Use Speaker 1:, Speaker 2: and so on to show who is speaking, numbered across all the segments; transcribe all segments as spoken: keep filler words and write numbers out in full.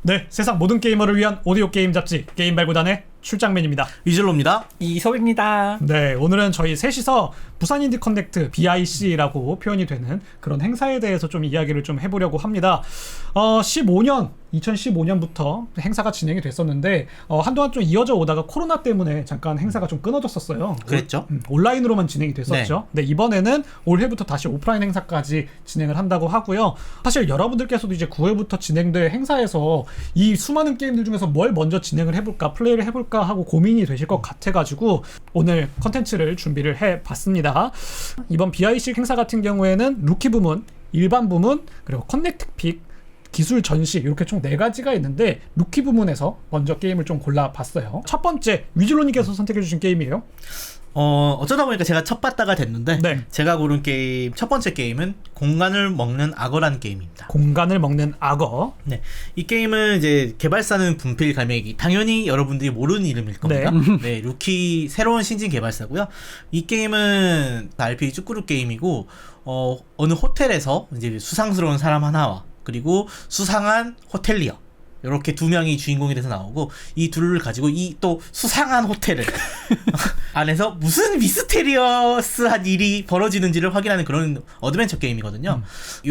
Speaker 1: 네, 세상 모든 게이머를 위한 오디오 게임 잡지 게임 발굴단의 출장맨입니다.
Speaker 2: 이슬로입니다.
Speaker 3: 이소입니다.
Speaker 1: 네, 오늘은 저희 셋이서 부산 인디 커넥트 비아이씨라고 표현이 되는 그런 행사에 대해서 좀 이야기를 좀 해보려고 합니다. 어, 십오 년, 이천십오 년부터 행사가 진행이 됐었는데 어, 한동안 좀 이어져 오다가 코로나 때문에 잠깐 행사가 좀 끊어졌었어요.
Speaker 2: 그랬죠.
Speaker 1: 음, 온라인으로만 진행이 됐었죠. 네. 네, 이번에는 올해부터 다시 오프라인 행사까지 진행을 한다고 하고요. 사실 여러분들께서도 이제 구월부터 진행될 행사에서 이 수많은 게임들 중에서 뭘 먼저 진행을 해볼까, 플레이를 해볼까 하고 고민이 되실 것 같아가지고 오늘 컨텐츠를 준비를 해봤습니다. 이번 비아이씨 행사 같은 경우에는 루키 부문, 일반 부문, 그리고 커넥트 픽, 기술 전시 이렇게 총 네 가지가 있는데 루키 부문에서 먼저 게임을 좀 골라봤어요. 첫 번째, 위즐로님께서 선택해주신 게임이에요.
Speaker 2: 어, 어쩌다 보니까 제가 첫 봤다가 됐는데
Speaker 1: 네.
Speaker 2: 제가 고른 게임 첫 번째 게임은 공간을 먹는 악어라는 게임입니다.
Speaker 1: 공간을 먹는 악어.
Speaker 2: 네, 이 게임은 이제 개발사는 분필 갈매기, 당연히 여러분들이 모르는 이름일 겁니다. 네, 네 루키 새로운 신진 개발사고요. 이 게임은 알피지 쭈꾸루 게임이고 어, 어느 호텔에서 이제 수상스러운 사람 하나와 그리고 수상한 호텔리어 이렇게 두 명이 주인공이 돼서 나오고 이 둘을 가지고 이 또 수상한 호텔을 안에서 무슨 미스테리어스한 일이 벌어지는지를 확인하는 그런 어드벤처 게임이거든요. 음.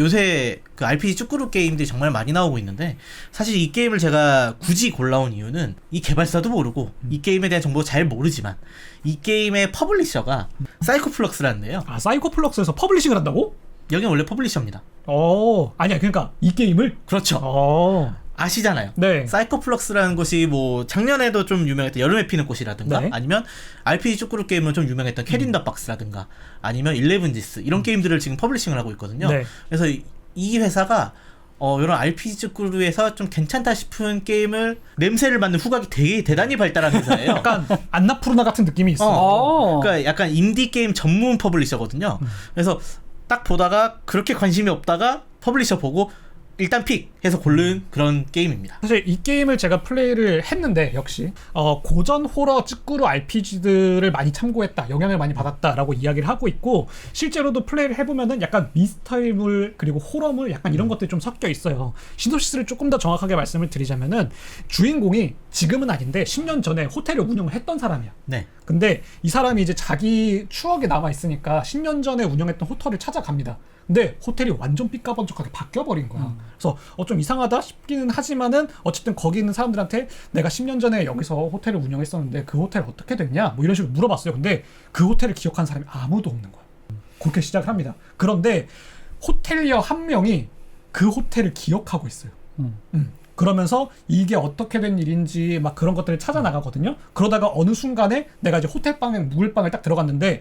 Speaker 2: 요새 그 알피지 쭈꾸루 게임들이 정말 많이 나오고 있는데 사실 이 게임을 제가 굳이 골라온 이유는 이 개발사도 모르고 음. 이 게임에 대한 정보 잘 모르지만 이 게임의 퍼블리셔가 음. 사이코플럭스라는데요.
Speaker 1: 아, 사이코플럭스에서 퍼블리싱을 한다고?
Speaker 2: 여기는 원래 퍼블리셔입니다.
Speaker 1: 어, 아니야, 그러니까 이 게임을?
Speaker 2: 그렇죠.
Speaker 1: 어.
Speaker 2: 아시잖아요.
Speaker 1: 네.
Speaker 2: 사이코플럭스라는 것이 뭐 작년에도 좀 유명했던 여름에 피는 꽃이라든가
Speaker 1: 네.
Speaker 2: 아니면 알피지 쭈꾸루 게임으로 좀 유명했던 캐리 인 더 박스라든가 아니면 일레븐지스 이런 음. 게임들을 지금 퍼블리싱을 하고 있거든요. 네. 그래서 이, 이 회사가 어, 이런 알피지 쭈꾸루에서 좀 괜찮다 싶은 게임을 냄새를 맡는 후각이 되게 대단히 발달한 회사예요.
Speaker 1: 약간 안나푸르나 같은 느낌이 있어.
Speaker 2: 어. 그러니까 약간 인디 게임 전문 퍼블리셔거든요. 음. 그래서 딱 보다가 그렇게 관심이 없다가 퍼블리셔 보고 일단 픽 해서 고른 그런 게임입니다.
Speaker 1: 사실 이 게임을 제가 플레이를 했는데 역시 어, 고전 호러 찌꾸루 알피지들을 많이 참고했다, 영향을 많이 받았다라고 이야기를 하고 있고 실제로도 플레이를 해보면은 약간 미스터리물 그리고 호러물 약간 이런 음. 것들이 좀 섞여 있어요. 시놉시스를 조금 더 정확하게 말씀을 드리자면은 주인공이 지금은 아닌데 십 년 전에 호텔을 운영을 했던 사람이야. 네. 근데 이 사람이 이제 자기 추억이 남아 있으니까 십 년 전에 운영했던 호텔을 찾아갑니다. 근데 호텔이 완전 삐까번쩍하게 바뀌어버린 거야. 음. 그래서 어, 좀 이상하다 싶기는 하지만은 어쨌든 거기 있는 사람들한테 내가 십 년 전에 여기서 호텔을 운영했었는데 그 호텔 어떻게 됐냐? 뭐 이런 식으로 물어봤어요. 근데 그 호텔을 기억한 사람이 아무도 없는 거야. 그렇게 시작을 합니다. 그런데 호텔리어 한 명이 그 호텔을 기억하고 있어요. 음. 음. 그러면서 이게 어떻게 된 일인지 막 그런 것들을 찾아 나가거든요. 그러다가 어느 순간에 내가 이제 호텔방에 묵을 방을 딱 들어갔는데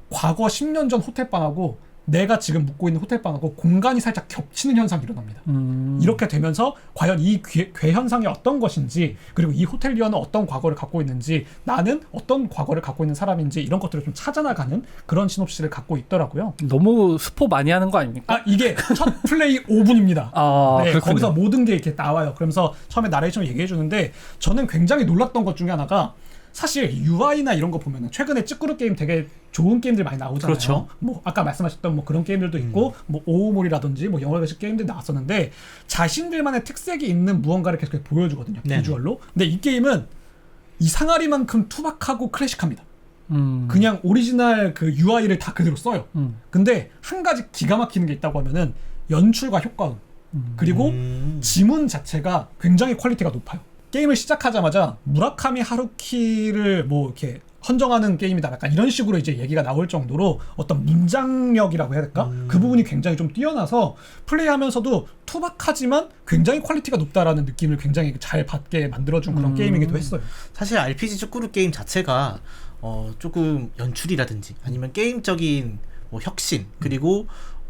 Speaker 1: 과거 십 년 전 호텔방하고 내가 지금 묵고 있는 호텔방하고 공간이 살짝 겹치는 현상이 일어납니다. 음. 이렇게 되면서 과연 이 괴, 괴 현상이 어떤 것인지 그리고 이 호텔리어는 어떤 과거를 갖고 있는지 나는 어떤 과거를 갖고 있는 사람인지 이런 것들을 좀 찾아나가는 그런 시놉시스를 갖고 있더라고요.
Speaker 3: 너무 스포 많이 하는 거 아닙니까?
Speaker 1: 아, 이게 첫 플레이 오 분입니다.
Speaker 3: 아,
Speaker 1: 네, 거기서 모든 게 이렇게 나와요. 그러면서 처음에 나레이션을 얘기해 주는데 저는 굉장히 놀랐던 것 중에 하나가 사실 유아이나 이런 거 보면은 최근에 찌꾸루 게임 되게 좋은 게임들 많이 나오잖아요.
Speaker 2: 그렇죠.
Speaker 1: 뭐 아까 말씀하셨던 뭐 그런 게임들도 있고 음. 뭐 오오몰이라든지 뭐 영화식 게임들 나왔었는데 자신들만의 특색이 있는 무언가를 계속 보여주거든요. 네. 비주얼로. 근데 이 게임은 이 상아리만큼 투박하고 클래식합니다. 음. 그냥 오리지널 그 유아이를 다 그대로 써요. 음. 근데 한 가지 기가 막히는 게 있다고 하면은 연출과 효과음 음. 그리고 음. 지문 자체가 굉장히 퀄리티가 높아요. 게임을 시작하자마자 무라카미 하루키를 뭐 이렇게 헌정하는 게임이다 약간 이런 식으로 이제 얘기가 나올 정도로 어떤 문장력이라고 해야 될까? 음. 그 부분이 굉장히 좀 뛰어나서 플레이하면서도 투박하지만 굉장히 퀄리티가 높다라는 느낌을 굉장히 잘 받게 만들어준 그런 음. 게임이기도 했어요.
Speaker 2: 사실 알피지 쭈꾸루 게임 자체가 어 조금 연출이라든지 아니면 게임적인 뭐 혁신 그리고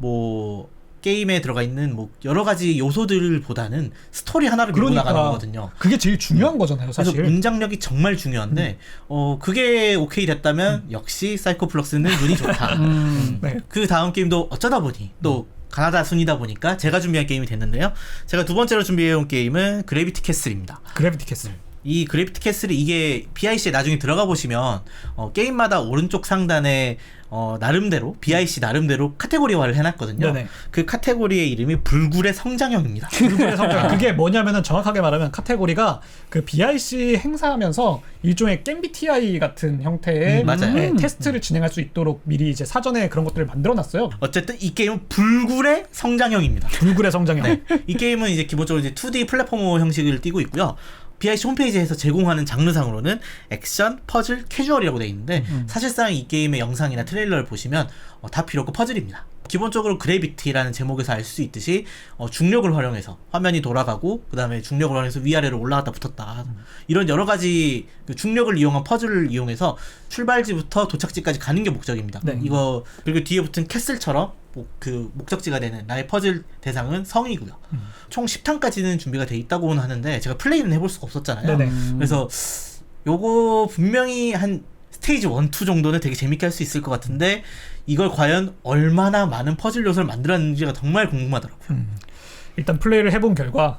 Speaker 2: 뭐 게임에 들어가 있는 뭐 여러 가지 요소들보다는 스토리 하나를 밀고
Speaker 1: 그러니까
Speaker 2: 나가는 거거든요.
Speaker 1: 그게 제일 중요한 거잖아요, 사실.
Speaker 2: 그래서 문장력이 정말 중요한데 음. 어 그게 오케이 됐다면 음. 역시 사이코플럭스는 눈이 좋다. 음. 음. 네. 그 다음 게임도 어쩌다 보니 또 음. 가나다 순이다 보니까 제가 준비한 게임이 됐는데요. 제가 두 번째로 준비해온 게임은 그래비티 캐슬입니다.
Speaker 1: 그래비티 캐슬.
Speaker 2: 이 그래비티 캐슬이 이게 비아이씨에 나중에 들어가 보시면 어, 게임마다 오른쪽 상단에 어, 나름대로 비아이씨 나름대로 카테고리화를 해놨거든요.
Speaker 1: 네네.
Speaker 2: 그 카테고리의 이름이 불굴의 성장형입니다.
Speaker 1: 불굴의 성장. 그게 뭐냐면은 정확하게 말하면 카테고리가 그 비아이씨 행사하면서 일종의 겜비티아이 같은 형태의
Speaker 2: 음, 맞아요.
Speaker 1: 네, 테스트를 진행할 수 있도록 미리 이제 사전에 그런 것들을 만들어놨어요.
Speaker 2: 어쨌든 이 게임은 불굴의 성장형입니다.
Speaker 1: 불굴의 성장형.
Speaker 2: 네. 이 게임은 이제 기본적으로 이제 투디 플랫포머 형식을 띠고 있고요. 비아이씨 홈페이지에서 제공하는 장르상으로는 액션, 퍼즐, 캐주얼이라고 되어 있는데 음. 사실상 이 게임의 영상이나 트레일러를 보시면 어, 다 필요 없고 퍼즐입니다. 기본적으로 그래비티라는 제목에서 알 수 있듯이 어, 중력을 활용해서 화면이 돌아가고 그 다음에 중력을 활용해서 위아래로 올라갔다 붙었다 음. 이런 여러 가지 그 중력을 이용한 퍼즐을 이용해서 출발지부터 도착지까지 가는 게 목적입니다.
Speaker 1: 네.
Speaker 2: 이거 그리고 뒤에 붙은 캐슬처럼 뭐 그 목적지가 되는 나의 퍼즐 대상은 성이고요. 음. 총 십 탄까지는 준비가 돼 있다고는 하는데 제가 플레이는 해볼 수가 없었잖아요.
Speaker 1: 네네.
Speaker 2: 그래서 요거 분명히 한 스테이지 일, 이 정도는 되게 재밌게 할 수 있을 것 같은데 이걸 과연 얼마나 많은 퍼즐 요소를 만들었는지가 정말 궁금하더라고요. 음.
Speaker 1: 일단 플레이를 해본 결과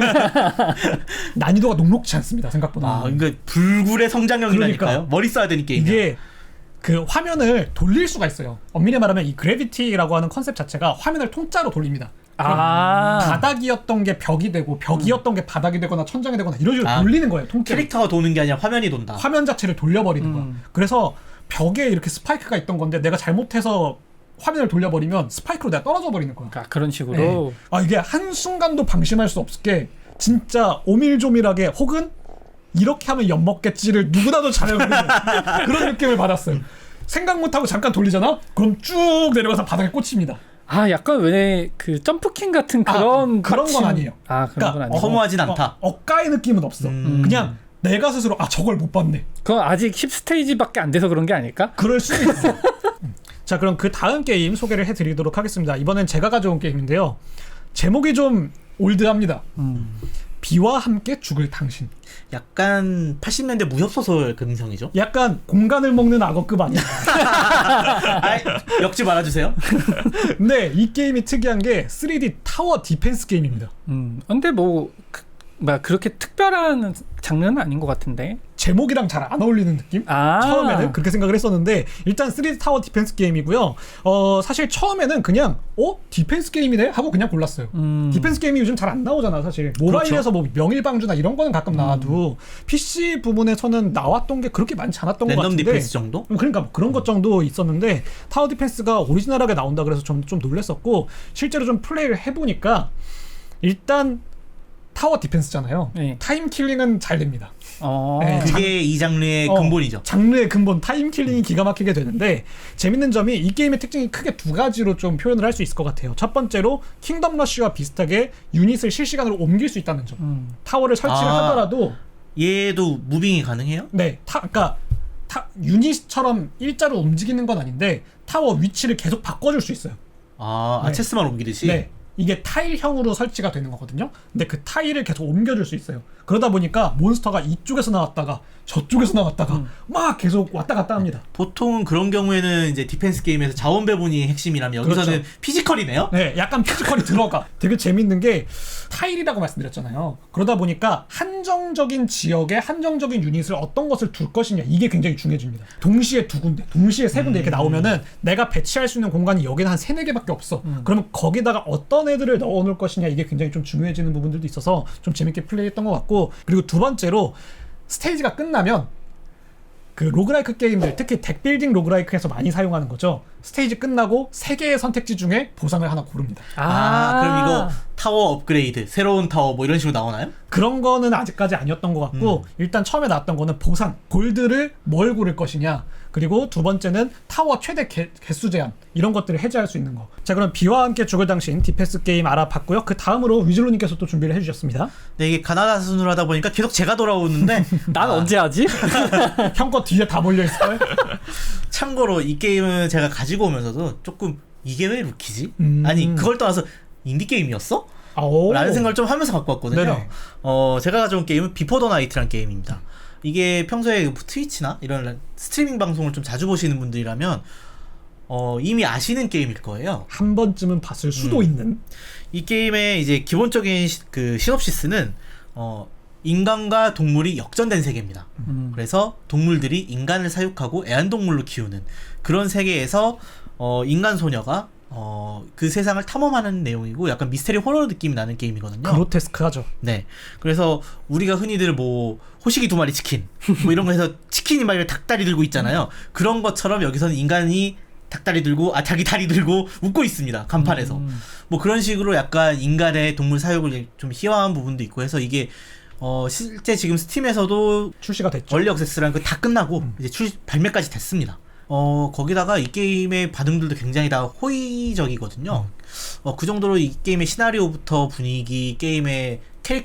Speaker 1: 난이도가 녹록지 않습니다. 생각보다.
Speaker 2: 아, 그러니까 불굴의 성장형이라니까요.
Speaker 1: 그러니까.
Speaker 2: 머리 써야 되는 게임이야.
Speaker 1: 이게 그 화면을 돌릴 수가 있어요. 엄밀히 말하면 이 그래비티라고 하는 컨셉 자체가 화면을 통짜로 돌립니다.
Speaker 3: 아.
Speaker 1: 바닥이었던 게 벽이 되고 벽이었던 음. 게 바닥이 되거나 천장이 되거나 이런 식으로 아, 돌리는 거예요. 통째로.
Speaker 2: 캐릭터가 도는 게 아니라 화면이 돈다.
Speaker 1: 화면 자체를 돌려버리는 음. 거야. 그래서 벽에 이렇게 스파이크가 있던 건데 내가 잘못해서 화면을 돌려버리면 스파이크로 내가 떨어져 버리는 거야.
Speaker 3: 아, 그런 식으로.
Speaker 1: 네. 아 이게 한순간도 방심할 수 없게 진짜 오밀조밀하게 혹은 이렇게 하면 엿먹겠지를 누구나도 잘 알고 있는 그런 느낌을 받았어요. 생각 못하고 잠깐 돌리잖아? 그럼 쭉 내려가서 바닥에 꽂힙니다.
Speaker 3: 아 약간 왜 그 점프킹 같은 그런
Speaker 1: 아, 그런 건 아니에요.
Speaker 3: 아 그런
Speaker 1: 그러니까
Speaker 3: 건 아니에요.
Speaker 2: 허무하진 않다.
Speaker 1: 어, 억가의 느낌은 없어.
Speaker 2: 음.
Speaker 1: 그냥 내가 스스로 아 저걸 못 봤네.
Speaker 3: 그건 아직 십 스테이지밖에 안 돼서 그런 게 아닐까?
Speaker 1: 그럴 수도 있어. 자 그럼 그 다음 게임 소개를 해드리도록 하겠습니다. 이번엔 제가 가져온 게임인데요. 제목이 좀 올드합니다. 음. 비와 함께 죽을 당신.
Speaker 2: 약간 팔십 년대 무협소설 근성이죠?
Speaker 1: 약간 공간을 먹는 악어급 아니야?
Speaker 2: 아이, 역지 말아주세요.
Speaker 1: 근데 이 게임이 특이한 게 쓰리디 타워 디펜스 게임입니다.
Speaker 3: 음, 근데 뭐, 그, 뭐 그렇게 특별한 장르는 아닌 것 같은데.
Speaker 1: 제목이랑 잘 안 어울리는 느낌?
Speaker 3: 아~
Speaker 1: 처음에는 그렇게 생각을 했었는데 일단 쓰리디 타워 디펜스 게임이고요. 어, 사실 처음에는 그냥 어? 디펜스 게임이네? 하고 그냥 골랐어요. 음. 디펜스 게임이 요즘 잘 안 나오잖아 사실. 모바일에서 그렇죠. 뭐 명일방주나 이런 거는 가끔 나와도 음. 피씨 부분에서는 나왔던 게 그렇게 많지 않았던 것 같은데
Speaker 2: 랜덤 디펜스 정도?
Speaker 1: 그러니까 뭐 그런 것 정도 있었는데 타워 디펜스가 오리지널하게 나온다 그래서 좀, 좀 놀랬었고 실제로 좀 플레이를 해보니까 일단 타워 디펜스잖아요. 네. 타임 킬링은 잘 됩니다.
Speaker 3: 어.
Speaker 1: 네,
Speaker 2: 그게 장, 이 장르의
Speaker 1: 어,
Speaker 2: 근본이죠.
Speaker 1: 장르의 근본 타임 킬링이 기가 막히게 되는데 재밌는 점이 이 게임의 특징이 크게 두 가지로 좀 표현을 할 수 있을 것 같아요. 첫 번째로 킹덤 러쉬와 비슷하게 유닛을 실시간으로 옮길 수 있다는 점. 음. 타워를 설치를 아, 하더라도
Speaker 2: 얘도 무빙이 가능해요?
Speaker 1: 네, 타, 그러니까 타, 유닛처럼 일자로 움직이는 건 아닌데 타워 위치를 계속 바꿔줄 수 있어요.
Speaker 2: 아,
Speaker 1: 네.
Speaker 2: 아 체스만 옮기듯이?
Speaker 1: 네. 이게 타일형으로 설치가 되는 거거든요. 근데 그 타일을 계속 옮겨줄 수 있어요. 그러다 보니까 몬스터가 이쪽에서 나왔다가 저쪽에서 나왔다가 음. 막 계속 왔다 갔다 합니다.
Speaker 2: 보통은 그런 경우에는 이제 디펜스 게임에서 자원 배분이 핵심이라면 여기서는 그렇죠. 피지컬이네요?
Speaker 1: 네, 약간 피지컬이 들어가. 되게 재밌는 게 타일이라고 말씀드렸잖아요. 그러다 보니까 한정적인 지역에 한정적인 유닛을 어떤 것을 둘 것이냐 이게 굉장히 중요해집니다. 동시에 두 군데, 동시에 세 군데 음. 이렇게 나오면은 내가 배치할 수 있는 공간이 여기는 한 세네 개밖에 없어. 음. 그러면 거기다가 어떤 애들을 넣어놓을 것이냐 이게 굉장히 좀 중요해지는 부분들도 있어서 좀 재밌게 플레이했던 것 같고 그리고 두 번째로 스테이지가 끝나면 그 로그라이크 게임들 특히 덱빌딩 로그라이크에서 많이 사용하는 거죠. 스테이지 끝나고 세 개의 선택지 중에 보상을 하나 고릅니다.
Speaker 2: 아, 아 그럼 이거 타워 업그레이드 새로운 타워 뭐 이런 식으로 나오나요?
Speaker 1: 그런 거는 아직까지 아니었던 것 같고 음. 일단 처음에 나왔던 거는 보상 골드를 뭘 고를 것이냐 그리고 두 번째는 타워 최대 개, 개수 제한 이런 것들을 해제할 수 있는 거. 자 그럼 비와 함께 죽을 당신 디펜스 게임 알아봤고요. 그 다음으로 위즐로님께서 또 준비를 해주셨습니다.
Speaker 2: 네 이게 가나다 순으로 하다 보니까 계속 제가 돌아오는데
Speaker 3: 난 아. 언제 하지?
Speaker 1: 형 거 뒤에 다 몰려있어요.
Speaker 2: 참고로 이 게임은 제가 가지고 오면서도 조금 이게 왜 루키지?
Speaker 1: 음.
Speaker 2: 아니 그걸 떠나서 인디게임이었어?
Speaker 1: 아오.
Speaker 2: 라는 생각을 좀 하면서 갖고 왔거든요.
Speaker 1: 네네.
Speaker 2: 어, 제가 가져온 게임은 비포 더 나이트라는 게임입니다. 이게 평소에 트위치나 이런 스트리밍 방송을 좀 자주 보시는 분들이라면 어, 이미 아시는 게임일 거예요.
Speaker 1: 한 번쯤은 봤을 수도
Speaker 2: 음.
Speaker 1: 있는.
Speaker 2: 이 게임의 이제 기본적인 시, 그 시놉시스는 어, 인간과 동물이 역전된 세계입니다.
Speaker 3: 음.
Speaker 2: 그래서 동물들이 인간을 사육하고 애완동물로 키우는 그런 세계에서 어, 인간 소녀가 어, 그 세상을 탐험하는 내용이고 약간 미스테리 호러 느낌이 나는 게임이거든요.
Speaker 1: 그로테스크하죠.
Speaker 2: 네. 그래서 우리가 흔히들 뭐 호식이 두 마리 치킨 뭐 이런 거 해서 치킨이 막 닭다리 들고 있잖아요. 그런 것처럼 여기서는 인간이 닭다리 들고 아 자기 다리 들고 웃고 있습니다. 간판에서.
Speaker 3: 음.
Speaker 2: 뭐 그런 식으로 약간 인간의 동물 사육을 좀 희화한 부분도 있고 해서 이게 어 실제 지금 스팀에서도
Speaker 1: 출시가 됐죠.
Speaker 2: 얼리 액세스라는 거 다 끝나고
Speaker 1: 음.
Speaker 2: 이제 출 발매까지 됐습니다. 어 거기다가 이 게임의 반응들도 굉장히 다 호의적이거든요.
Speaker 1: 음.
Speaker 2: 어 그 정도로 이 게임의 시나리오부터 분위기, 게임의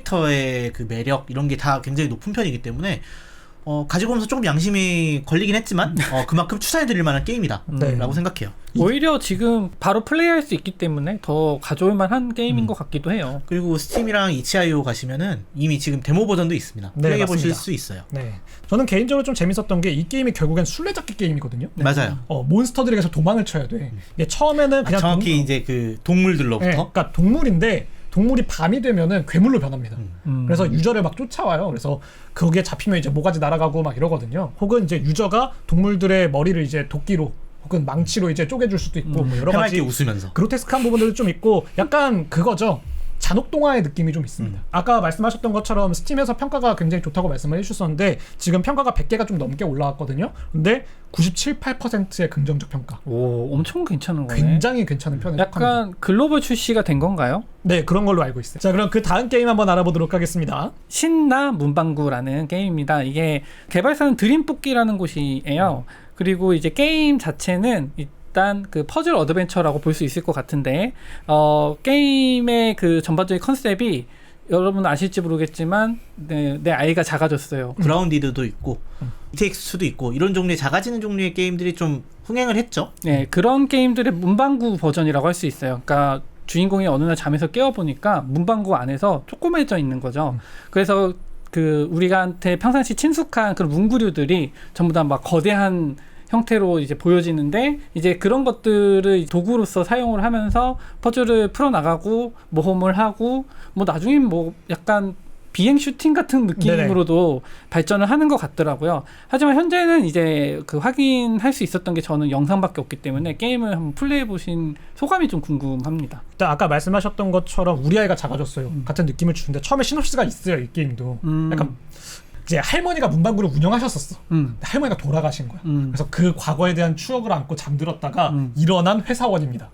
Speaker 2: 캐릭터의 그 매력 이런 게 다 굉장히 높은 편이기 때문에 어 가지고 오면서 조금 양심이 걸리긴 했지만 어 그만큼 추천해드릴 만한 게임이다
Speaker 1: 네.
Speaker 2: 라고 생각해요.
Speaker 3: 오히려 지금 바로 플레이할 수 있기 때문에 더 가져올 만한 게임인
Speaker 2: 음.
Speaker 3: 것 같기도 해요.
Speaker 2: 그리고 스팀이랑 이치아이오 가시면은 이미 지금 데모 버전도 있습니다.
Speaker 1: 네,
Speaker 2: 플레이해 보실
Speaker 1: 맞습니다.
Speaker 2: 수 있어요.
Speaker 1: 네. 저는 개인적으로 좀 재밌었던 게 이 게임이 결국엔 술래잡기 게임이거든요.
Speaker 2: 맞아요.
Speaker 1: 어, 몬스터들에게서 도망을 쳐야 돼. 이게 처음에는
Speaker 2: 아,
Speaker 1: 그냥
Speaker 2: 정확히
Speaker 1: 동-
Speaker 2: 이제 그
Speaker 1: 네,
Speaker 2: 동물들로부터
Speaker 1: 그러니까 동물인데 동물이 밤이 되면은 괴물로 변합니다.
Speaker 2: 음.
Speaker 3: 음.
Speaker 1: 그래서 유저를 막 쫓아와요. 그래서 거기에 잡히면 이제 모가지 날아가고 막 이러거든요. 혹은 이제 유저가 동물들의 머리를 이제 도끼로 혹은 망치로 이제 쪼개줄 수도 있고 뭐 여러
Speaker 2: 해맑게
Speaker 1: 가지
Speaker 2: 웃으면서
Speaker 1: 그로테스크한 부분들도 좀 있고 약간 그거죠. 잔혹동화의 느낌이 좀 있습니다.
Speaker 2: 음.
Speaker 1: 아까 말씀하셨던 것처럼 스팀에서 평가가 굉장히 좋다고 말씀을 해주셨었는데 지금 평가가 백 개가 좀 넘게 올라왔거든요. 근데 구십칠, 팔 퍼센트의 긍정적 평가.
Speaker 3: 오, 엄청 괜찮은 거네.
Speaker 1: 굉장히 괜찮은 편에 속합니다.
Speaker 3: 약간 글로벌 출시가 된 건가요?
Speaker 1: 네, 그런 걸로 알고 있어요. 자, 그럼 그 다음 게임 한번 알아보도록 하겠습니다.
Speaker 3: 신나 문방구라는 게임입니다. 이게 개발사는 드림뽑기라는 곳이에요. 그리고 이제 게임 자체는 일단 그 퍼즐 어드벤처라고 볼 수 있을 것 같은데 어, 게임의 그 전반적인 컨셉이 여러분 아실지 모르겠지만 네, 내 아이가 작아졌어요.
Speaker 2: 그라운디드도 있고 이티엑스도 있고 이런 종류의 작아지는 종류의 게임들이 좀 흥행을 했죠.
Speaker 3: 네, 그런 게임들의 문방구 버전이라고 할 수 있어요. 그러니까 주인공이 어느 날 잠에서 깨어보니까 문방구 안에서 조그매져 있는 거죠. 그래서 그 우리한테 평상시 친숙한 그런 문구류들이 전부 다 막 거대한 형태로 이제 보여지는데 이제 그런 것들을 도구로서 사용을 하면서 퍼즐을 풀어나가고 모험을 하고 뭐 나중엔 뭐 약간 비행 슈팅 같은 느낌으로도 네네. 발전을 하는 것 같더라고요. 하지만 현재는 이제 그 확인할 수 있었던 게 저는 영상밖에 없기 때문에 게임을 한번 플레이해 보신 소감이 좀 궁금합니다.
Speaker 1: 일단 아까 말씀하셨던 것처럼 우리 아이가 작아졌어요.
Speaker 3: 음.
Speaker 1: 같은 느낌을 주는데 처음에 시놉시스가 있어요. 이 게임도.
Speaker 3: 음.
Speaker 1: 약간 이제 할머니가 문방구를 운영하셨었어.
Speaker 3: 음.
Speaker 1: 할머니가 돌아가신 거야.
Speaker 3: 음.
Speaker 1: 그래서 그 과거에 대한 추억을 안고 잠들었다가
Speaker 3: 음.
Speaker 1: 일어난 회사원입니다.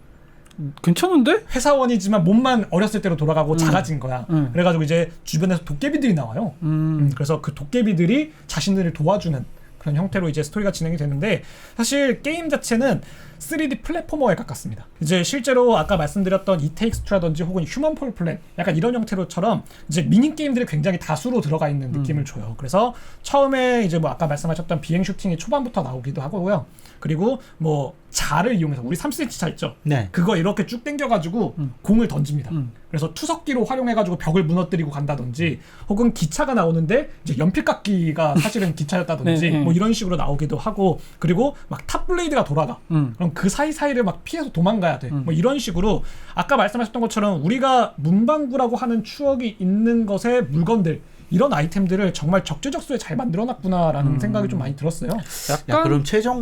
Speaker 3: 괜찮은데?
Speaker 1: 회사원이지만 몸만 어렸을 때로 돌아가고
Speaker 3: 음.
Speaker 1: 작아진 거야.
Speaker 3: 음.
Speaker 1: 그래가지고 이제 주변에서 도깨비들이 나와요.
Speaker 3: 음.
Speaker 1: 음, 그래서 그 도깨비들이 자신들을 도와주는 그런 형태로 이제 스토리가 진행이 되는데 사실 게임 자체는 쓰리디 플랫포머에 가깝습니다. 이제 실제로 아까 말씀드렸던 이테익스트라든지 혹은 휴먼 폴 플랫 약간 이런 형태로처럼 이제 미니 게임들이 굉장히 다수로 들어가 있는 느낌을
Speaker 3: 음.
Speaker 1: 줘요. 그래서 처음에 이제 뭐 아까 말씀하셨던 비행 슈팅이 초반부터 나오기도 하고요. 그리고 뭐 자를 이용해서 우리 삼 센티미터 자 있죠.
Speaker 2: 네.
Speaker 1: 그거 이렇게 쭉 당겨가지고
Speaker 3: 음.
Speaker 1: 공을 던집니다.
Speaker 3: 음.
Speaker 1: 그래서 투석기로 활용해가지고 벽을 무너뜨리고 간다든지 혹은 기차가 나오는데 이제 연필깎이가 사실은 기차였다든지
Speaker 3: 네, 네.
Speaker 1: 뭐 이런 식으로 나오기도 하고 그리고 막 탑블레이드가 돌아가.
Speaker 3: 음.
Speaker 1: 그럼 그 사이사이를 막 피해서 도망가야 돼.
Speaker 3: 음.
Speaker 1: 뭐 이런 식으로 아까 말씀하셨던 것처럼 우리가 문방구라고 하는 추억이 있는 것의 물건들 이런 아이템들을 정말 적재적소에 잘 만들어놨구나라는
Speaker 3: 음.
Speaker 1: 생각이 좀 많이 들었어요.
Speaker 3: 약간
Speaker 2: 야, 그럼 최종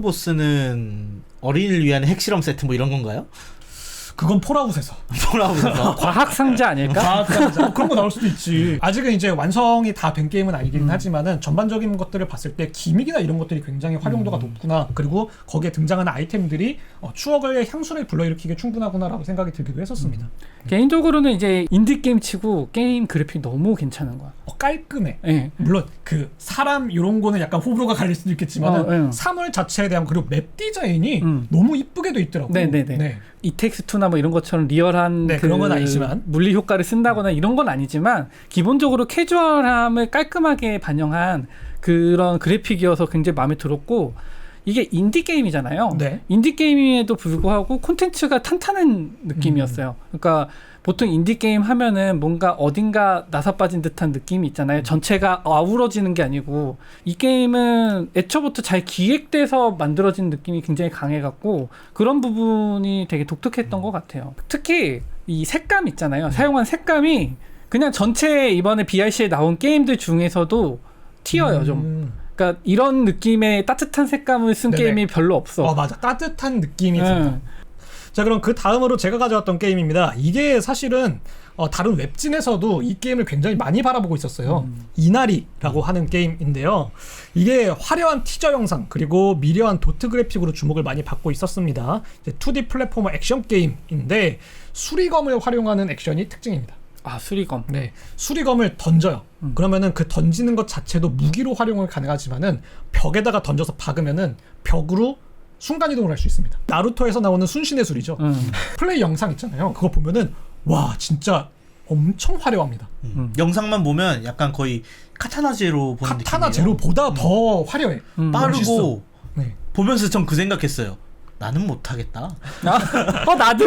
Speaker 2: 보스는 어린이를 위한 핵실험 세트 뭐 이런 건가요?
Speaker 1: 그건 폴아웃에서.
Speaker 2: 폴아웃에서.
Speaker 3: 과학 상자 아닐까?
Speaker 1: 과학상자 뭐 그런 거 나올 수도 있지. 아직은 이제 완성이 다 된 게임은 아니긴
Speaker 3: 음.
Speaker 1: 하지만은 전반적인 것들을 봤을 때 기믹이나 이런 것들이 굉장히 활용도가
Speaker 3: 음.
Speaker 1: 높구나. 그리고 거기에 등장하는 아이템들이 어, 추억의 향수를 불러일으키기에 충분하구나라고 생각이 들기도 했었습니다.
Speaker 3: 개인적으로는 이제 인디 게임 치고 게임 그래픽 너무 괜찮은 거야.
Speaker 1: 어, 깔끔해.
Speaker 3: 예.
Speaker 1: 물론 그 사람 이런 거는 약간 호불호가 갈릴 수도 있겠지만
Speaker 3: 어, 예.
Speaker 1: 사물 자체에 대한 그리고 맵 디자인이
Speaker 3: 음.
Speaker 1: 너무 이쁘게 돼 있더라고요.
Speaker 3: 네네네.
Speaker 1: 네.
Speaker 3: 이텍스투나 뭐 이런 것처럼 리얼한
Speaker 1: 네,
Speaker 3: 그
Speaker 1: 그런 건 아니지만.
Speaker 3: 물리 효과를 쓴다거나 이런 건 아니지만 기본적으로 캐주얼함을 깔끔하게 반영한 그런 그래픽이어서 굉장히 마음에 들었고 이게 인디 게임이잖아요.
Speaker 1: 네.
Speaker 3: 인디 게임에도 불구하고 콘텐츠가 탄탄한 느낌이었어요.
Speaker 1: 음.
Speaker 3: 그러니까 보통 인디 게임 하면은 뭔가 어딘가 나사 빠진 듯한 느낌이 있잖아요.
Speaker 1: 음.
Speaker 3: 전체가 아우러지는 게 아니고 이 게임은 애초부터 잘 기획돼서 만들어진 느낌이 굉장히 강해갖고 그런 부분이 되게 독특했던 것 같아요. 특히 이 색감 있잖아요. 사용한 색감이 그냥 전체 이번에 비알씨에 나온 게임들 중에서도 튀어요 좀.
Speaker 1: 음.
Speaker 3: 그러니까 이런 느낌의 따뜻한 색감을 쓴
Speaker 1: 네네.
Speaker 3: 게임이 별로 없어.
Speaker 1: 어 맞아, 따뜻한 느낌이
Speaker 3: 네.
Speaker 1: 든다. 자, 그럼 그 다음으로 제가 가져왔던 게임입니다. 이게 사실은 어, 다른 웹진에서도 이 게임을 굉장히 많이 바라보고 있었어요.
Speaker 3: 음.
Speaker 1: 이나리라고 하는 게임인데요. 이게 화려한 티저 영상 그리고 미려한 도트 그래픽으로 주목을 많이 받고 있었습니다. 이제 투디 플랫포머 액션 게임인데 수리검을 활용하는 액션이 특징입니다.
Speaker 3: 아 수리검.
Speaker 1: 네, 수리검을 던져요.
Speaker 3: 음.
Speaker 1: 그러면은 그 던지는 것 자체도 무기로 활용을 가능하지만은 벽에다가 던져서 박으면은 벽으로 순간 이동을 할 수 있습니다. 나루토에서 나오는 순신의 술이죠.
Speaker 3: 음.
Speaker 1: 플레이 영상 있잖아요. 그거 보면은 와 진짜 엄청 화려합니다.
Speaker 2: 음.
Speaker 3: 음.
Speaker 2: 영상만 보면 약간 거의 카타나 제로 보는 느낌이에요.
Speaker 1: 카타나 제로보다 더 화려해.
Speaker 3: 음.
Speaker 1: 멋있어.
Speaker 2: 빠르고
Speaker 1: 네.
Speaker 2: 보면서 전 그 생각했어요. 나는 못하겠다.
Speaker 3: 아, 어 나도.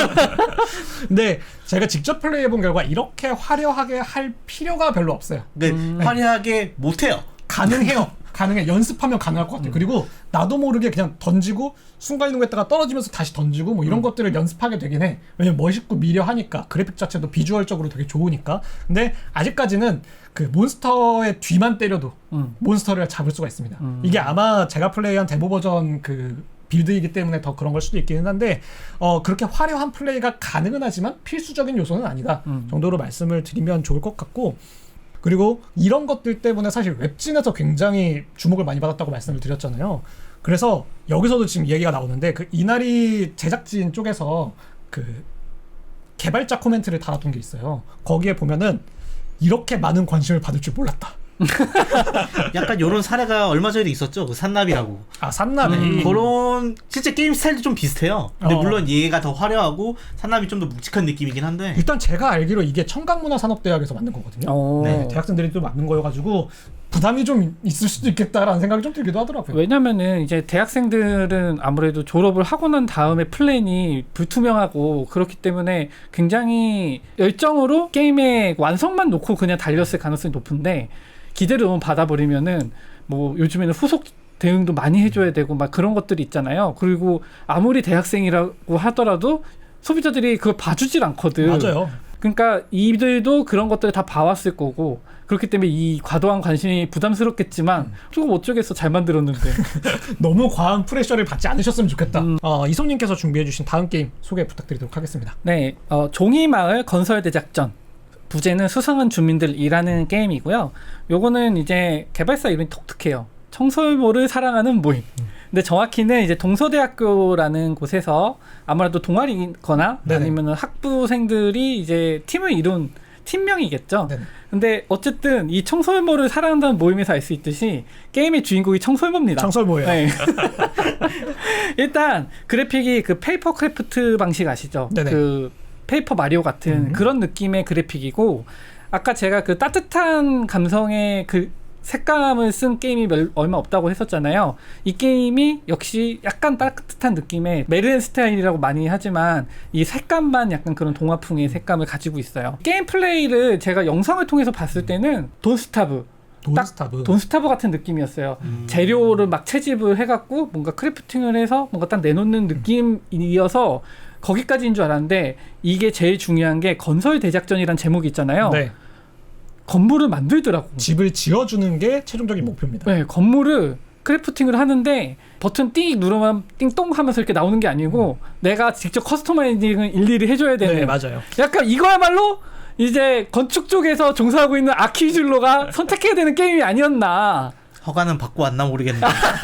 Speaker 1: 근데 제가 직접 플레이해본 결과 이렇게 화려하게 할 필요가 별로 없어요.
Speaker 2: 그러니까
Speaker 3: 음.
Speaker 2: 화려하게 못해요.
Speaker 1: 가능해요. 가능해. 연습하면 가능할 것 같아요. 그리고 나도 모르게 그냥 던지고 순간이동했다가 떨어지면서 다시 던지고 뭐 이런
Speaker 3: 음.
Speaker 1: 것들을 연습하게 되긴 해. 왜냐면 멋있고 미려하니까 그래픽 자체도 비주얼적으로 되게 좋으니까. 근데 아직까지는 그 몬스터의 뒤만 때려도
Speaker 3: 음.
Speaker 1: 몬스터를 잡을 수가 있습니다.
Speaker 3: 음.
Speaker 1: 이게 아마 제가 플레이한 데모 버전 그 빌드이기 때문에 더 그런 걸 수도 있기는 한데 어 그렇게 화려한 플레이가 가능은 하지만 필수적인 요소는 아니다
Speaker 3: 음.
Speaker 1: 정도로 말씀을 드리면 좋을 것 같고, 그리고 이런 것들 때문에 사실 웹진에서 굉장히 주목을 많이 받았다고 말씀을 드렸잖아요. 그래서 여기서도 지금 얘기가 나오는데 그 이나리 제작진 쪽에서 그 개발자 코멘트를 달아둔 게 있어요. 거기에 보면은 이렇게 많은 관심을 받을 줄 몰랐다.
Speaker 2: 약간 이런 사례가 얼마 전에도 있었죠. 그 산나비라고.
Speaker 1: 아 산나비.
Speaker 3: 음.
Speaker 2: 그런 실제 게임 스타일도 좀 비슷해요. 근데
Speaker 1: 어.
Speaker 2: 물론 얘가 더 화려하고 산나비 좀 더 묵직한 느낌이긴 한데.
Speaker 1: 일단 제가 알기로 이게 청강문화산업대학에서 만든 거거든요.
Speaker 3: 어.
Speaker 1: 네, 대학생들이 또 만든 거여가지고 부담이 좀 있을 수도 있겠다라는 생각이 좀 들기도 하더라고요.
Speaker 3: 왜냐면은 이제 대학생들은 아무래도 졸업을 하고 난 다음에 플랜이 불투명하고 그렇기 때문에 굉장히 열정으로 게임의 완성만 놓고 그냥 달렸을 가능성이 높은데, 기대를 너무 받아버리면은 뭐 요즘에는 후속 대응도 많이 해줘야 되고 막 그런 것들이 있잖아요. 그리고 아무리 대학생이라고 하더라도 소비자들이 그걸 봐주질 않거든.
Speaker 1: 맞아요.
Speaker 3: 그러니까 이들도 그런 것들을 다 봐왔을 거고, 그렇기 때문에 이 과도한 관심이 부담스럽겠지만 조금 어쩌겠어, 잘 만들었는데.
Speaker 1: 너무 과한 프레셔를 받지 않으셨으면 좋겠다.
Speaker 3: 음.
Speaker 1: 어, 이솜님께서 준비해주신 다음 게임 소개 부탁드리도록 하겠습니다.
Speaker 3: 네, 어, 종이마을 건설 대작전. 부제는 수상한 주민들이라는 게임이고요. 요거는 이제 개발사 이름이 독특해요. 청설모를 사랑하는 모임. 근데 정확히는 이제 동서대학교라는 곳에서 아무래도 동아리거나
Speaker 1: 네네.
Speaker 3: 아니면 학부생들이 이제 팀을 이룬 팀명이겠죠.
Speaker 1: 네네.
Speaker 3: 근데 어쨌든 이 청설모를 사랑한다는 모임에서 알 수 있듯이 게임의 주인공이 청설모입니다.
Speaker 1: 청설모예요.
Speaker 3: 네. 일단 그래픽이 그 페이퍼 크래프트 방식 아시죠?
Speaker 1: 네네.
Speaker 3: 그 페이퍼 마리오 같은
Speaker 1: 음.
Speaker 3: 그런 느낌의 그래픽이고, 아까 제가 그 따뜻한 감성의 그 색감을 쓴 게임이 몇, 얼마 없다고 했었잖아요. 이 게임이 역시 약간 따뜻한 느낌의 메르헨 스타일이라고 많이 하지만 이 색감만 약간 그런 동화풍의 색감을 가지고 있어요. 게임 플레이를 제가 영상을 통해서 봤을 때는 돈스타브
Speaker 1: 돈스타브.
Speaker 3: 돈스타브 같은 느낌이었어요.
Speaker 2: 음.
Speaker 3: 재료를 막 채집을 해갖고 뭔가 크래프팅을 해서 뭔가 딱 내놓는 느낌이어서 거기까지인 줄 알았는데, 이게 제일 중요한 게 건설 대작전이란 제목이 있잖아요.
Speaker 1: 네.
Speaker 3: 건물을 만들더라고.
Speaker 1: 집을 지어주는 게 최종적인 목표입니다.
Speaker 3: 네, 건물을 크래프팅을 하는데 버튼 띵 누르면 띵똥 하면서 이렇게 나오는 게 아니고 음. 내가 직접 커스터마이징을 일일이 해줘야 되는.
Speaker 1: 네, 맞아요.
Speaker 3: 약간 이거야말로 이제 건축 쪽에서 종사하고 있는 아키줄로가 선택해야 되는 게임이 아니었나.
Speaker 2: 허가는 받고 왔나 모르겠네.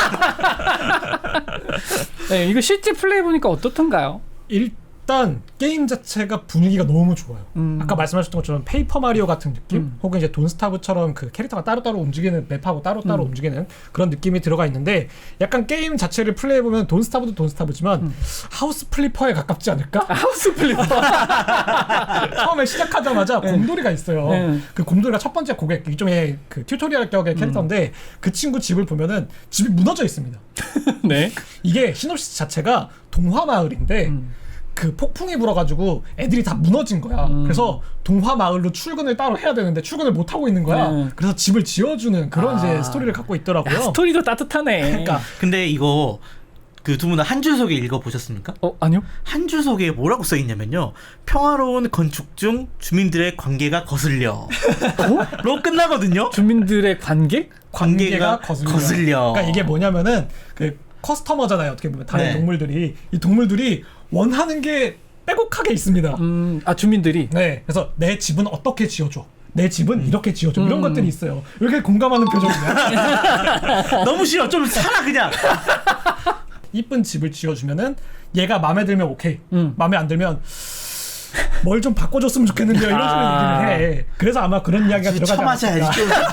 Speaker 3: 네, 이거 실제 플레이 보니까 어떻던가요?
Speaker 1: 일단 게임 자체가 분위기가 너무 좋아요.
Speaker 3: 음.
Speaker 1: 아까 말씀하셨던 것처럼 페이퍼 마리오 같은 느낌,
Speaker 3: 음.
Speaker 1: 혹은 이제 돈스타브처럼 그 캐릭터가 따로따로 움직이는, 맵하고 따로따로
Speaker 3: 음.
Speaker 1: 움직이는 그런 느낌이 들어가 있는데, 약간 게임 자체를 플레이해보면 돈스타브도 돈스타브지만
Speaker 3: 음.
Speaker 1: 하우스 플리퍼에 가깝지 않을까?
Speaker 3: 아, 하우스 플리퍼.
Speaker 1: 처음에 시작하자마자
Speaker 3: 네.
Speaker 1: 곰돌이가 있어요.
Speaker 3: 네.
Speaker 1: 그 곰돌이가 첫 번째 고객, 일종의 그 튜토리얼 격의 캐릭터인데
Speaker 3: 음.
Speaker 1: 그 친구 집을 보면은 집이 무너져 있습니다.
Speaker 3: 네.
Speaker 1: 이게 시놉시스 자체가 동화 마을인데
Speaker 3: 음.
Speaker 1: 그 폭풍이 불어가지고 애들이 다 무너진 거야.
Speaker 3: 음.
Speaker 1: 그래서 동화 마을로 출근을 따로 해야 되는데 출근을 못 하고 있는 거야.
Speaker 3: 네.
Speaker 1: 그래서 집을 지어주는 그런
Speaker 2: 아.
Speaker 1: 이제 스토리를 갖고 있더라고요.
Speaker 3: 야, 스토리도 따뜻하네.
Speaker 1: 그러니까
Speaker 2: 근데 이거 그 두 분은 한 줄 소개 읽어보셨습니까?
Speaker 3: 어 아니요.
Speaker 2: 한 줄 소개에 뭐라고 써있냐면요. 평화로운 건축 중 주민들의 관계가 거슬려. 로 끝나거든요.
Speaker 3: 주민들의 관계?
Speaker 1: 관계가,
Speaker 2: 관계가
Speaker 1: 거슬려.
Speaker 2: 거슬려.
Speaker 1: 그러니까 이게 뭐냐면은 그 커스터머잖아요. 어떻게 보면 다른
Speaker 2: 네.
Speaker 1: 동물들이 이 동물들이 원하는 게 빼곡하게 있습니다.
Speaker 3: 음, 아 주민들이.
Speaker 1: 네, 그래서 내 집은 어떻게 지어줘. 내 집은 이렇게 지어줘. 이런
Speaker 3: 음.
Speaker 1: 것들이 있어요. 왜 이렇게 공감하는 표정이야?
Speaker 2: 너무 싫어. 좀 살아 그냥.
Speaker 1: 이쁜 집을 지어주면은 얘가 마음에 들면 오케이.
Speaker 3: 음.
Speaker 1: 마음에 안 들면 뭘 좀 바꿔줬으면 좋겠는데요. 이런 식으로
Speaker 3: 아.
Speaker 1: 얘기를 해. 그래서 아마 그런 이야기가 들어가지
Speaker 2: 처맞아야지.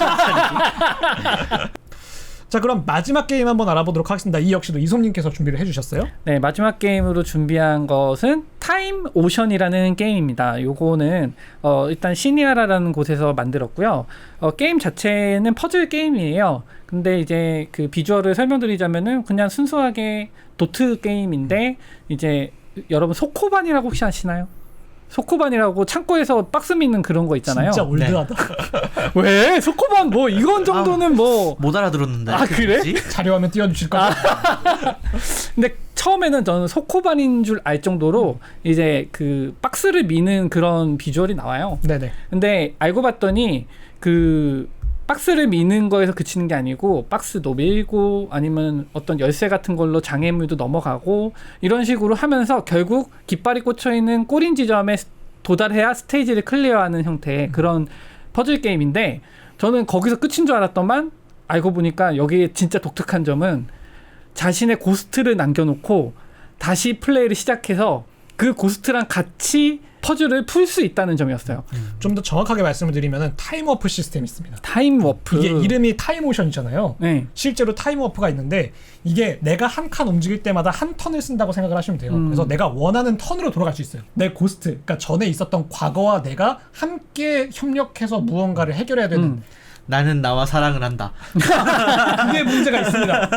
Speaker 1: 않았을까. 자, 그럼 마지막 게임 한번 알아보도록 하겠습니다. 이 역시도 이솜님께서 준비를 해주셨어요.
Speaker 3: 네, 마지막 게임으로 준비한 것은 타임 오션이라는 게임입니다. 요거는 어, 일단 시니아라라는 곳에서 만들었고요. 어, 게임 자체는 퍼즐 게임이에요. 근데 이제 그 비주얼을 설명드리자면은 그냥 순수하게 도트 게임인데 이제 여러분 소코반이라고 혹시 아시나요? 소코반이라고 창고에서 박스 믿는 그런 거 있잖아요.
Speaker 1: 진짜 올드하다.
Speaker 3: 왜? 소코반 뭐 이건 정도는 뭐
Speaker 2: 못 알아들었는데.
Speaker 3: 아, 그래?
Speaker 2: 뭐지?
Speaker 1: 자료화면 띄워주실 거죠?
Speaker 3: 근데 처음에는 저는 소코반인 줄 알 정도로 이제 그 박스를 미는 그런 비주얼이 나와요.
Speaker 1: 네네.
Speaker 3: 근데 알고 봤더니 그 박스를 미는 거에서 그치는 게 아니고 박스도 밀고 아니면 어떤 열쇠 같은 걸로 장애물도 넘어가고 이런 식으로 하면서 결국 깃발이 꽂혀 있는 꼬린 지점에 도달해야 스테이지를 클리어하는 형태의 그런 퍼즐 게임인데 저는 거기서 끝인 줄 알았더만 알고 보니까 여기에 진짜 독특한 점은 자신의 고스트를 남겨놓고 다시 플레이를 시작해서 그 고스트랑 같이 퍼즐을 풀 수 있다는 점이었어요.
Speaker 1: 좀 더 정확하게 말씀을 드리면은 타임워프 시스템이 있습니다.
Speaker 3: 타임 워프.
Speaker 1: 이게 이름이 타임오션이잖아요.
Speaker 3: 네.
Speaker 1: 실제로 타임워프가 있는데 이게 내가 한 칸 움직일 때마다 한 턴을 쓴다고 생각을 하시면 돼요.
Speaker 3: 음.
Speaker 1: 그래서 내가 원하는 턴으로 돌아갈 수 있어요. 내 고스트, 그러니까 전에 있었던 과거와 내가 함께 협력해서 무언가를 해결해야 되는
Speaker 3: 음.
Speaker 2: 나는 나와 사랑을 한다.
Speaker 1: 그게 문제가 있습니다.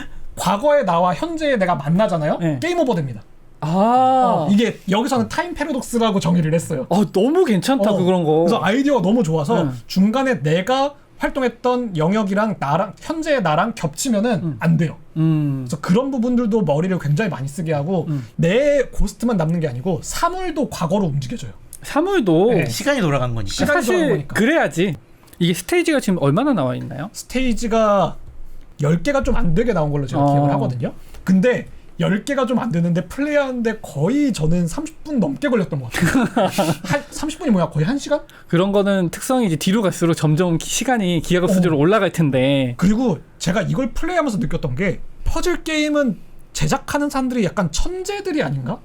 Speaker 1: 과거의 나와 현재의 내가 만나잖아요.
Speaker 3: 네.
Speaker 1: 게임 오버 됩니다.
Speaker 3: 아.
Speaker 1: 어, 이게 여기서는 타임 패러독스라고 정의를 했어요.
Speaker 3: 어, 너무 괜찮다,
Speaker 1: 어,
Speaker 3: 그런 거.
Speaker 1: 그래서 아이디어가 너무 좋아서
Speaker 3: 네.
Speaker 1: 중간에 내가 활동했던 영역이랑 나랑 현재의 나랑 겹치면은
Speaker 3: 음.
Speaker 1: 안 돼요.
Speaker 3: 음.
Speaker 1: 그래서 그런 부분들도 머리를 굉장히 많이 쓰게 하고
Speaker 3: 음.
Speaker 1: 내 고스트만 남는 게 아니고 사물도 과거로 움직여져요.
Speaker 3: 사물도
Speaker 1: 네.
Speaker 2: 시간이 돌아간 거니까.
Speaker 1: 시간이 돌아간
Speaker 3: 사실
Speaker 1: 거니까.
Speaker 3: 그래야지. 이게 스테이지가 지금 얼마나 나와 있나요?
Speaker 1: 스테이지가 열 개가 좀 안 되게 나온 걸로 제가
Speaker 3: 어.
Speaker 1: 기억을 하거든요. 근데 열 개가 좀 안 되는데 플레이하는데 거의 저는 삼십 분 넘게 걸렸던 것 같아요. 한, 삼십 분이 뭐야? 거의 한 시간?
Speaker 3: 그런 거는 특성이 이제 뒤로 갈수록 점점 기- 시간이 기하급수적으로
Speaker 1: 어.
Speaker 3: 올라갈 텐데.
Speaker 1: 그리고 제가 이걸 플레이하면서 느꼈던 게 퍼즐 게임은 제작하는 사람들이 약간 천재들이 아닌가?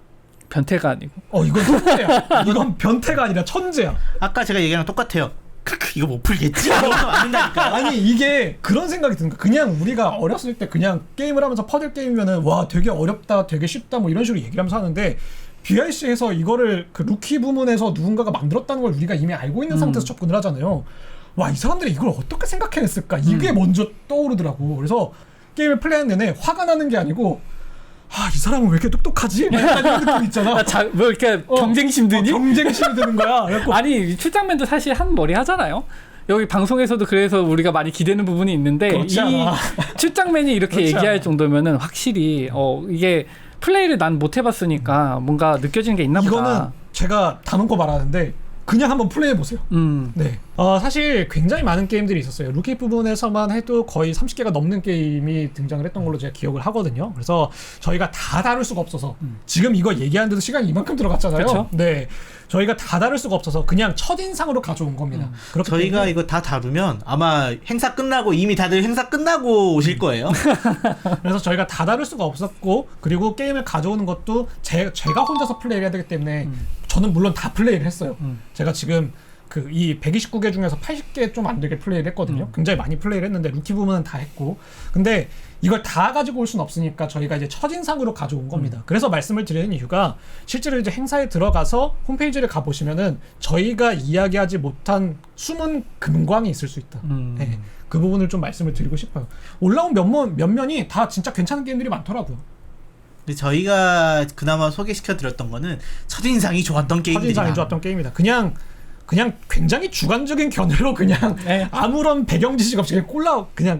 Speaker 3: 변태가 아니고.
Speaker 1: 어 이건 천재야. 이건 변태가 아니라 천재야.
Speaker 2: 아까 제가 얘기랑 똑같아요. 크크 이거 못 풀겠지? 이러면 안 된다니까.
Speaker 1: 아니 이게 그런 생각이 드는 거야. 그냥 우리가 어렸을 때 그냥 게임을 하면서 퍼즐 게임이면은 와 되게 어렵다, 되게 쉽다 뭐 이런 식으로 얘기를 하면서 하는데 비아이씨에서 이거를 그 루키 부문에서 누군가가 만들었다는 걸 우리가 이미 알고 있는
Speaker 3: 음.
Speaker 1: 상태에서 접근을 하잖아요. 와 이 사람들이 이걸 어떻게 생각해냈을까? 이게
Speaker 3: 음.
Speaker 1: 먼저 떠오르더라고. 그래서 게임을 플레이하는 내내 화가 나는 게 아니고 아 이 사람은 왜 이렇게 똑똑하지? 막 약간 이런 느낌 있잖아.
Speaker 3: 아, 자, 뭐 이렇게
Speaker 1: 어,
Speaker 3: 경쟁심 드니?
Speaker 1: 어, 경쟁심이 드는 거야. 그래갖고
Speaker 3: 아니 출장맨도 사실 한 머리 하잖아요. 여기 방송에서도 그래서 우리가 많이 기대는 부분이 있는데
Speaker 1: 그렇지
Speaker 3: 이
Speaker 1: 않아.
Speaker 3: 출장맨이 이렇게
Speaker 1: 그렇지
Speaker 3: 얘기할
Speaker 1: 않아.
Speaker 3: 정도면은 확실히 어 이게 플레이를 난 못 해봤으니까 뭔가 느껴지는 게 있나
Speaker 1: 이거는
Speaker 3: 보다.
Speaker 1: 제가 다 놓고 말하는데 그냥 한번 플레이해 보세요.
Speaker 3: 음.
Speaker 1: 네. 어, 사실 굉장히 많은 게임들이 있었어요. 루키 부분에서만 해도 거의 삼십 개가 넘는 게임이 등장을 했던 걸로 제가 기억을 하거든요. 그래서 저희가 다 다룰 수가 없어서
Speaker 3: 음.
Speaker 1: 지금 이거 얘기하는데도 시간이 이만큼 들어갔잖아요.
Speaker 3: 그쵸?
Speaker 1: 네. 저희가 다 다룰 수가 없어서 그냥 첫인상으로 가져온 겁니다.
Speaker 3: 음.
Speaker 1: 그렇기
Speaker 2: 저희가
Speaker 1: 때문에
Speaker 2: 이거 다 다루면 아마 행사 끝나고 이미 다들 행사 끝나고 오실 거예요.
Speaker 1: 그래서 저희가 다 다룰 수가 없었고 그리고 게임을 가져오는 것도 제, 제가 혼자서 플레이를 해야 되기 때문에
Speaker 3: 음.
Speaker 1: 저는 물론 다 플레이를 했어요.
Speaker 3: 음.
Speaker 1: 제가 지금 그 이 백이십구 개 중에서 팔십 개 좀 안 되게 플레이를 했거든요.
Speaker 3: 음.
Speaker 1: 굉장히 많이 플레이를 했는데 루키 부분은 다 했고 근데 이걸 다 가지고 올 수는 없으니까 저희가 이제 첫인상으로 가져온 겁니다.
Speaker 3: 음.
Speaker 1: 그래서 말씀을 드리는 이유가 실제로 이제 행사에 들어가서 홈페이지를 가보시면은 저희가 이야기하지 못한 숨은 금광이 있을 수 있다.
Speaker 3: 음.
Speaker 1: 네, 그 부분을 좀 말씀을 드리고 싶어요. 올라온 몇몇 몇면이 다 진짜 괜찮은 게임들이 많더라고요.
Speaker 2: 근데 저희가 그나마 소개시켜 드렸던 거는 첫인상이 좋았던 게임들이
Speaker 1: 첫인상이 좋았던 게임이다. 그냥 그냥 굉장히 주관적인 견해로 그냥
Speaker 3: 네.
Speaker 1: 아무런 배경 지식 없이 그냥 꼴라 그냥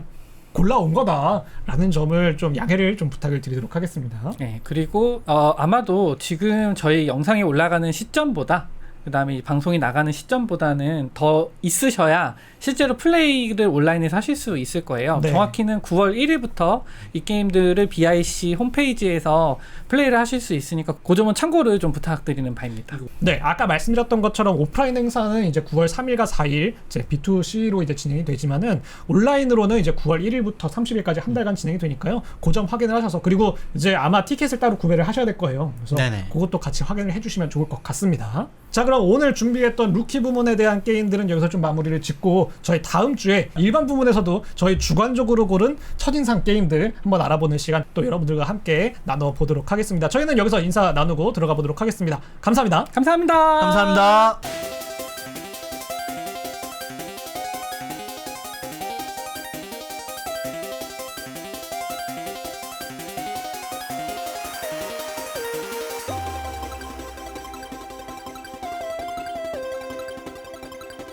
Speaker 1: 골라온 거다라는 점을 좀 양해를 좀 부탁을 드리도록 하겠습니다.
Speaker 3: 네, 그리고 어, 아마도 지금 저희 영상이 올라가는 시점보다 그다음에 이 방송이 나가는 시점보다는 더 있으셔야 실제로 플레이를 온라인에서 하실 수 있을 거예요.
Speaker 1: 네.
Speaker 3: 정확히는 구월 일일부터 이 게임들을 비아이씨 홈페이지에서 플레이를 하실 수 있으니까 그 점은 참고를 좀 부탁드리는 바입니다.
Speaker 1: 네, 아까 말씀드렸던 것처럼 오프라인 행사는 이제 구월 삼일과 사일 이제 비투씨로 이제 진행이 되지만은 온라인으로는 이제 구월 일일부터 삼십일까지 한 달간 진행이 되니까요. 그 점 확인을 하셔서 그리고 이제 아마 티켓을 따로 구매를 하셔야 될 거예요. 그래서
Speaker 2: 네네.
Speaker 1: 그것도 같이 확인을 해주시면 좋을 것 같습니다. 자, 그럼 오늘 준비했던 루키 부문에 대한 게임들은 여기서 좀 마무리를 짓고 저희 다음 주에 일반 부문에서도 저희 주관적으로 고른 첫인상 게임들 한번 알아보는 시간 또 여러분들과 함께 나눠보도록 하겠습니다. 저희는 여기서 인사 나누고 들어가 보도록 하겠습니다. 감사합니다.
Speaker 3: 감사합니다.
Speaker 2: 감사합니다.